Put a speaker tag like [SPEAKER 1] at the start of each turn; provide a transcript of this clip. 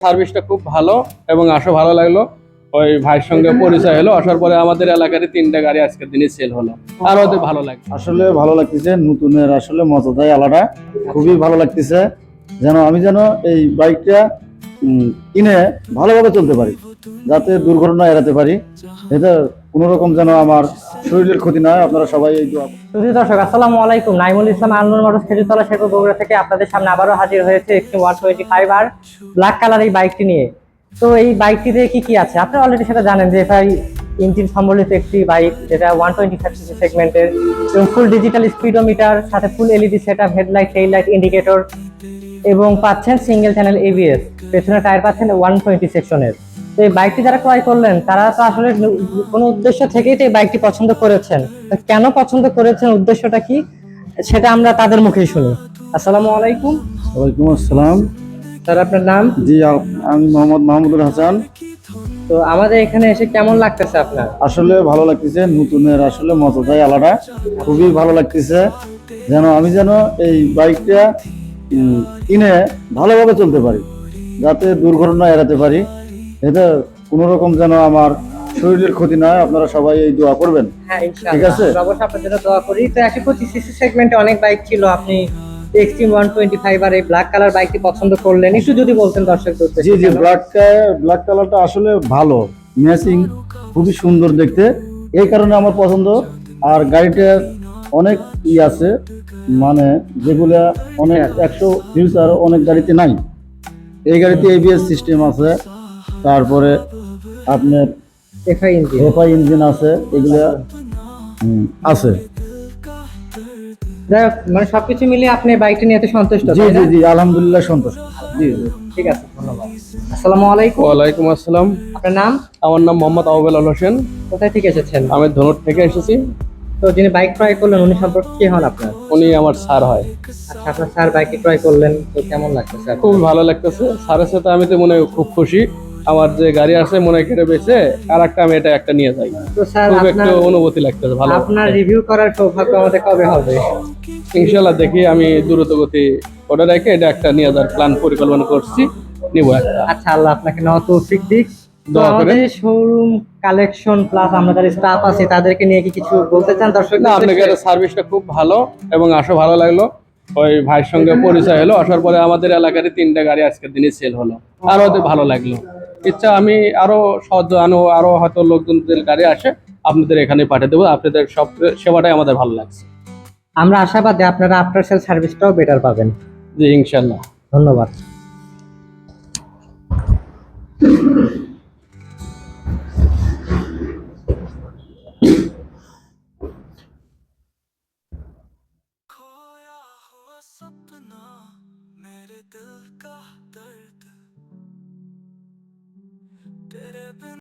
[SPEAKER 1] সার্ভিসটা খুব ভালো এবং ভালো লাগলো। ওই ভাইয়ের সঙ্গে পরিচয় হলো, আসার পরে আমাদের এলাকারই 3টা গাড়ি আজকের দিনে সেল হলো। আর ওদের ভালো লাগে,
[SPEAKER 2] আসলে ভালো লাগতেছে। নতুনের আসলে মজাটাই আলাদা, খুবই ভালো লাগতেছে। আমি এই বাইকটা কিনে ভালোভাবে চলতে পারি, যাতে দুর্ঘটনা এড়াতে পারি। এটা কোনো রকম আমার শরীরের ক্ষতি না হয়। আপনারা সবাই এই দোয়া।
[SPEAKER 3] সুধী দর্শক, আসসালামু আলাইকুম। নাইমুল ইসলাম, আলনুর মোটরস, খেজুরতলা, শেরপুর, বগুড়া থেকে আপনাদের সামনে আবারও হাজির হয়েছে একটি 125 আর ব্ল্যাক কালার এই বাইকটি নিয়ে। তো এই বাইকটিতে কি কি আছে আপনারা অলরেডি সেটা জানেন, যে এফআই ইঞ্জিন সম্বলিত একটি বাইক, যেটা 125 সিসি সেগমেন্টের, এবং ফুল ডিজিটাল স্পিডোমিটার, সাথে full LED setup, headlight, tail light, indicator, এবং পাচ্ছেন সিঙ্গেল চ্যানেল এবিএস। পেছনে টায়ার পাচ্ছেন 120 সেকশনের। তো এই বাইকটি যারা ক্রয় করলেন, তারা তো আসলে কোনো উদ্দেশ্য থেকেই তো এই বাইকটি পছন্দ করেছেন। কেন পছন্দ করেছেন, উদ্দেশ্যটা কি, সেটা আমরা তাদের মুখেই শুনি। আসসালামু আলাইকুম।
[SPEAKER 2] ওয়ালাইকুম আসসালাম।
[SPEAKER 3] স্যার, আপনার নাম?
[SPEAKER 2] জি, আমি মোহাম্মদ মাহমুদুল হাসান।
[SPEAKER 3] তো আমাদের এখানে এসে কেমন লাগতেছে আপনার?
[SPEAKER 2] আসলে ভালো লাগতেছে। নতুনের আসলে মজাটাই আলাদা, খুবই ভালো লাগতেছে। আমি এই বাইকটা কিনে ভালোভাবে চলতে পারি, যাতে দুর্ঘটনা এড়াতে পারি। এটা কোনো রকম আমার শরীরের ক্ষতি না হয়। আপনারা সবাই এই দোয়া করবেন।
[SPEAKER 3] হ্যাঁ, ইনশাআল্লাহ।
[SPEAKER 2] ঠিক আছে,
[SPEAKER 3] অবশ্যই আপনার জন্য দোয়া করি। তো 125 সিসি সেগমেন্টে অনেক বাইক ছিল, আপনি এক্সট্রিম 125 আর এই ব্ল্যাক কালার বাইকটি পছন্দ করলেন, একটু যদি বলতেন দর্শকদের উদ্দেশ্যে।
[SPEAKER 2] জি জি, ব্ল্যাক কালারটা আসলে ভালো, ম্যাচিং, খুবই সুন্দর দেখতে, এই কারণে আমার পছন্দ। আর গাড়িটার অনেক আছে, যেগুলা অনেক 100 ফিউচার অনেক গাড়িতে নাই। এই গাড়িতে এবিএস সিস্টেম আছে, তারপরে আপনার এফআই ইঞ্জিন আছে, এগুলা আছে।
[SPEAKER 3] যাই হোক, সবকিছু মিলিয়ে আপনি বাইকটি নিয়ে এত সন্তুষ্ট?
[SPEAKER 2] জি জি জি, আলহামদুলিল্লাহ সন্তুষ্ট। জি,
[SPEAKER 3] ঠিক আছে, ধন্যবাদ। আসসালামু আলাইকুম।
[SPEAKER 1] ওয়ালাইকুম আসসালাম।
[SPEAKER 3] আপনার নাম?
[SPEAKER 1] আমার নাম মোহাম্মদ আউবেল আল হোসেন।
[SPEAKER 3] কোথায় থেকে এসেছেন?
[SPEAKER 1] আমি ধনুট থেকে এসেছি।
[SPEAKER 3] তো যিনি বাইক ক্রয় করলেন, উনি সম্পর্কে কি হন আপনার?
[SPEAKER 1] উনি আমার স্যার হয়।
[SPEAKER 3] আচ্ছা, আপনার স্যার বাইকটি ক্রয় করলেন, তো কেমন লাগতেছে?
[SPEAKER 1] খুব ভালো লাগতেছে। স্যারের সাথে আমি তো খুব খুশি। আমার যে গাড়ি আছে কেটে বেঁচে আর আমি একটা নিয়ে যাই।
[SPEAKER 3] তো স্যার,
[SPEAKER 1] খুব একটু অনুভূতি লাগতেছে ভালো।
[SPEAKER 3] আপনার রিভিউ করার সৌভাগ্য আমাদের কবে হবে?
[SPEAKER 1] ইনশাআল্লাহ দেখি, আমি দ্রুত গতি ওটা রেখে এটা একটা নিয়ে যাওয়ার প্ল্যান পরিকল্পনা করছি, নিব একটা।
[SPEAKER 3] আচ্ছা, আল্লাহ আপনাকে তৌফিক দিক। তো আমাদের শোরুম কালেকশন প্লাস আমরা যারা স্টাফ আছে তাদেরকে নিয়ে কি কিছু বলতে চান দর্শক?
[SPEAKER 1] না, আপনাদের সার্ভিসটা খুব ভালো এবং ভালো লাগলো। ওই ভাইয়ের সঙ্গে পরিচয় হলো, আসার পরে আমাদের এলাকারই 3টা গাড়ি আজকের দিনে সেল হলো। আর ওদের ভালো লাগলো। ইচ্ছা আমি আরো আরো হয়তো লোকজনদের গাড়ি আসে, আপনাদের এখানে পাঠিয়ে দেবো। আপনাদের সব সেবাটাই আমাদের ভালো লাগছে।
[SPEAKER 3] আমরা আশাবাদী আপনারা আফটার সেল সার্ভিসটাও বেটার পাবেন।
[SPEAKER 1] জি, ইনশাআল্লাহ।
[SPEAKER 3] ধন্যবাদ।
[SPEAKER 4] सपना मेरे दिल का दर्द तेरे बिन